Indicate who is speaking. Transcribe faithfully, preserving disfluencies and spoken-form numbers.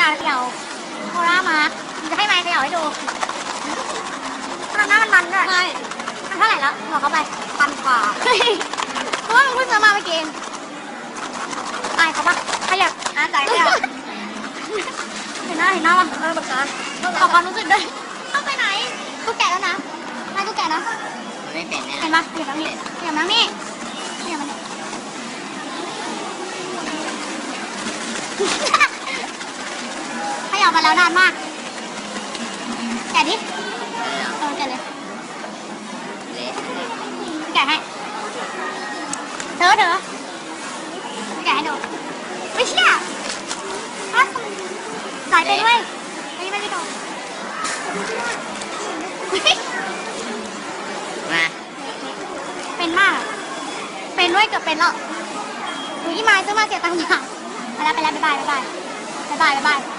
Speaker 1: าเขย่าโคล่ามาจะให้ไมค์เขย่าให้ดูทำหน้ามันมันด้วยใช่มันเท่าไหร่แล้วบอกเขาไปพันกว่าเพราะว่ามันเพิ่งซื้อมาเมื่อกี้ไอ้เขาปะขยับอ่ะจ่ายขยับเห็นหน้าเห็นหน้าปะเออแบบนั้นขอความรู้สึกด้วยต้องไปไหนกูแกะแล้วนะนายกูแกะนะ
Speaker 2: ไม่เป็นแน่
Speaker 1: เห็นปะเห็นปะนี่เห็นปะนี่เห็นปะนี่ขยับมาแล้วนานมากแกะดิเออแกะเลยแกะให้เธอเธอแกะให้ดูไม่เชื่อสายไปด้วยไม่ไม่ไม่โดน
Speaker 2: มา
Speaker 1: เป็นมากเป็นด้วยเกือบเป็นแล้วดูยี่ไม้ซื้อมาเสียตังค์อย่างไปแล้วไปแล้วบ๊ายบายบ๊ายบายบ๊ายบายบ๊ายบาย